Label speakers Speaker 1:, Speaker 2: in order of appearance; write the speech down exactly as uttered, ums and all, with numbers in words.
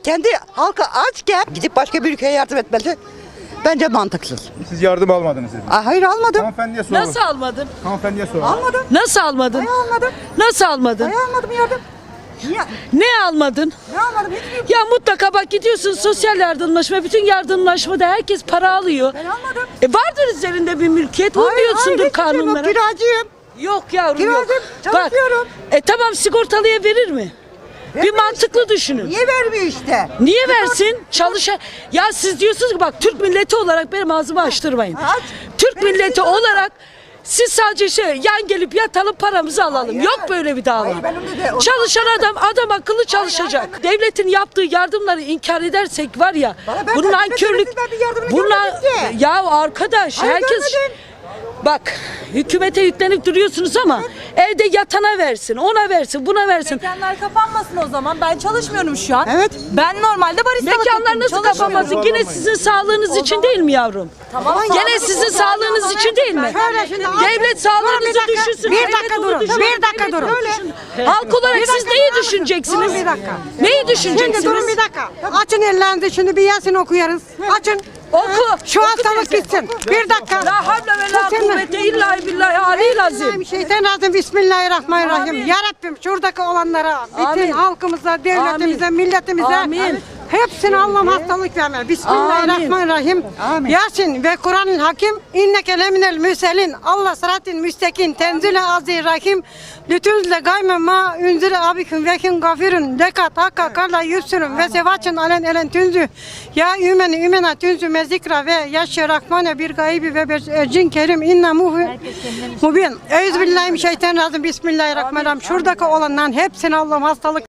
Speaker 1: kendi halkı açken gidip başka bir ülkeye yardım etmesi bence mantıksız.
Speaker 2: Siz yardım almadınız dediniz.
Speaker 1: Aa, hayır almadım.
Speaker 2: Hanımefendiye soralım.
Speaker 3: Nasıl almadın?
Speaker 2: Hanımefendiye soralım.
Speaker 1: Almadım.
Speaker 3: Nasıl almadın?
Speaker 1: Hayır almadım.
Speaker 3: Nasıl almadın?
Speaker 1: Hayır almadım yardım. Niye?
Speaker 3: Ne almadın?
Speaker 1: Ne almadım? Hiçbir
Speaker 3: Ya mutlaka bak gidiyorsun sosyal yardımlaşma, bütün yardımlaşmada herkes para alıyor.
Speaker 1: Ben almadım.
Speaker 3: E vardır üzerinde bir mülkiyet,
Speaker 1: Hayır,
Speaker 3: uymuyorsundur
Speaker 1: hayır, hiçbir şey yok.
Speaker 3: kanunlara.
Speaker 1: Kiracıyım.
Speaker 3: Yok yavrum yok.
Speaker 1: Kiracım,
Speaker 3: Bak,
Speaker 1: çalışıyorum.
Speaker 3: e tamam sigortalıya verir mi? Bir
Speaker 1: Vermiyor
Speaker 3: mantıklı düşünün.
Speaker 1: Niye vermiyor işte?
Speaker 3: Niye versin? Çalışan... Ya siz diyorsunuz ki bak Türk milleti olarak benim ağzımı açtırmayın.
Speaker 1: Aç.
Speaker 3: Türk
Speaker 1: Benim
Speaker 3: milleti
Speaker 1: değil,
Speaker 3: olarak siz sadece şey yan gelip yatalım paramızı alalım.
Speaker 1: Hayır.
Speaker 3: Yok böyle bir dava.
Speaker 1: Hayır, benim de de-
Speaker 3: Çalışan adam adam akıllı çalışacak.
Speaker 1: hayır,
Speaker 3: Devletin yaptığı yardımları inkar edersek var ya.
Speaker 1: Bana ben
Speaker 3: Bu
Speaker 1: de-
Speaker 3: nankörlük.
Speaker 1: devletin bir yardımını
Speaker 3: Bunlar
Speaker 1: görmedim ki.
Speaker 3: ya arkadaş
Speaker 1: Hayır,
Speaker 3: herkes
Speaker 1: görmedim.
Speaker 3: bak hükümete yüklenip duruyorsunuz ama evde yatana versin, ona versin, buna versin.
Speaker 4: Mekanlar kapanmasın o zaman. Ben çalışmıyorum şu an.
Speaker 1: Evet.
Speaker 4: Ben normalde barista
Speaker 3: Mekanlar nasıl kapanmasın? Yine sizin sağlığınız için değil mi yavrum?
Speaker 4: Tamam.
Speaker 3: Gene sizin sağlığınız için değil mi?
Speaker 1: Şöyle şimdi
Speaker 3: Devlet sağlığınızı düşünsün.
Speaker 1: Bir
Speaker 3: devlet
Speaker 1: dakika
Speaker 3: onu
Speaker 1: durun,
Speaker 3: düşünsün,
Speaker 1: bir dakika
Speaker 3: devlet
Speaker 1: durun.
Speaker 3: onu düşünsün. Halk olarak siz neyi düşüneceksiniz?
Speaker 1: Durun bir dakika.
Speaker 3: Neyi
Speaker 5: Şimdi
Speaker 3: düşüneceksiniz?
Speaker 5: durun bir dakika. Açın ellerinizi şimdi bir Yasin okuyarız. Açın.
Speaker 3: Oku.
Speaker 5: Şu
Speaker 3: Oku
Speaker 5: hastalık
Speaker 3: teyze.
Speaker 5: gitsin. Bir dakika.
Speaker 3: La havle ve la kuvvete illa billahi aleyhi azim.
Speaker 5: Şeytanirracim. Bismillahirrahmanirrahim. Ya Rabbim şuradaki olanlara, bütün
Speaker 3: Amin.
Speaker 5: halkımıza, devletimize,
Speaker 3: Amin.
Speaker 5: milletimize
Speaker 3: Amin.
Speaker 5: hepsine Allah'ım hastalık verme. Bismillahirrahmanirrahim.
Speaker 1: Amin.
Speaker 5: Yasin ve Kur'an-ı Hakim inneke leminel müselin. Allah sıratin müstekin tenzile azir rahim. Lütünzle gayme ma ünzire abiküm vekin gafirün dekat hakka karla yüzsürün ve sevaçın alen elen tünzü. Ya ümeni ümena tünzü mezikra ve yaşya rahmane bir gaybi ve bir ercin kerim inna muhu mubin. Euzubillahimineşşeytanirracim. Bismillahirrahmanirrahim. Şuradaki olanların hepsine Allah'ım hastalık